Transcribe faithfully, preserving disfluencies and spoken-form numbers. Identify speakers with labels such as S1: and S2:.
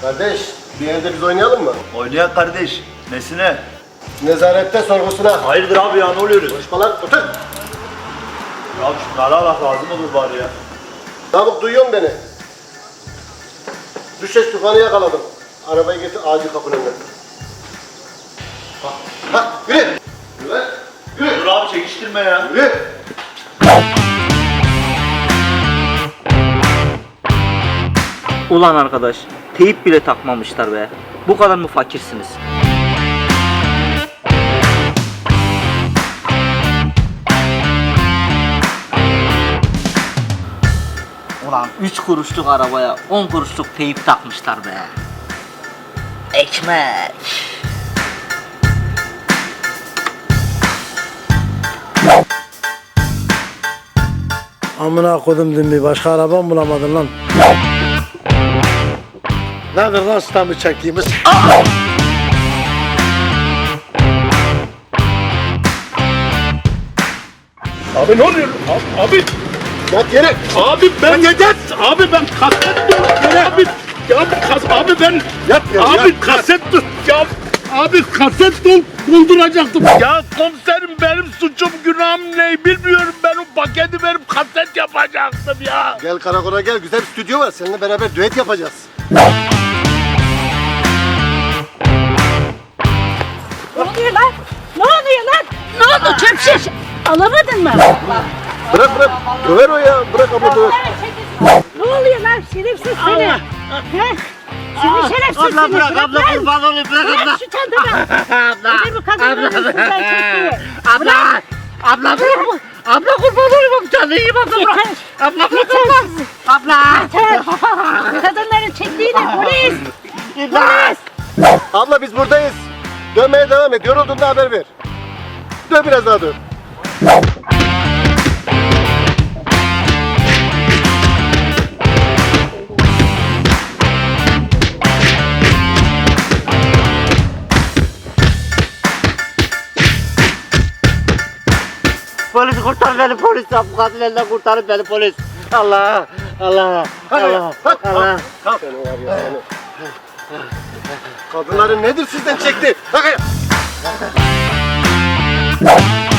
S1: Kardeş, bir yerde biz oynayalım mı?
S2: Oynayan kardeş. Nesine?
S1: Nezarette sorgusuna.
S2: Hayırdır abi ya, ne oluyoruz?
S1: Konuşma lan, otur.
S2: Ya şunlara bak, lazım olur bari ya.
S1: Namık, duyuyor musun beni? Düşeş tufanı yakaladım. Arabayı getir, acil kapının önüne. Ha, ha, yürü! Yürü lan, yürü!
S2: Dur abi, çekiştirme ya.
S1: Yürü!
S3: Ulan arkadaş, teyip bile takmamışlar be. Bu kadar mı fakirsiniz? Ulan üç kuruşluk arabaya on kuruşluk teyip takmışlar be. Ekmek.
S4: Amına kodum dün başka araba mı bulamadın lan? Nedir lan stamı çektiğimiz?
S5: Abi ne oluyor? Abi, abi,
S1: Yat yere!
S5: abi ben neden? Abi ben kaset dur. Abi, ya kas, abi ben
S1: Yat yere!
S5: abi
S1: yat.
S5: kaset dur. Ya abi kaset dol, dolduracaktım. Ya komiserim, benim suçum günahım ne bilmiyorum, ben o paketi verip kaset yapacaktım ya.
S1: Gel karakola gel, güzel bir stüdyo var. Seninle beraber düet yapacağız.
S6: Ne oluyor lan? Ne oluyor lan? Ne oldu çöp şiş? Alamadın mı?
S1: Bırak bırak, döver o ya. Bırak abla döver.
S6: Ne oluyor lan şerefsiz seni? He? Seni şerefsiz
S3: Abla
S6: seni.
S3: bırak, abla
S6: lan.
S3: kurban olayım, bırak abla.
S6: Bırak şu çantanı.
S3: Abla,
S6: Öbür bu kadının yüzünden çekti.
S3: abla, abla bırak. Abla kurban olayım, canını yiyeyim abla bırak.
S6: Yeter.
S3: Abla bırak
S6: Yeter
S3: abla.
S6: sizi.
S3: Abla.
S6: Yeter. Kadınların çektiğini polis. Polis.
S1: Abla biz buradayız. Dönmeye devam et. Yorulduğunda haber ver. Dön biraz daha dön.
S3: Polis kurtar beni, polis. Bu kadın elinden kurtarın beni, polis. Allah, Allah, Allah, Allah.
S1: Seni var ya seni. Kadınların nedir sizden çekti? Bak ya.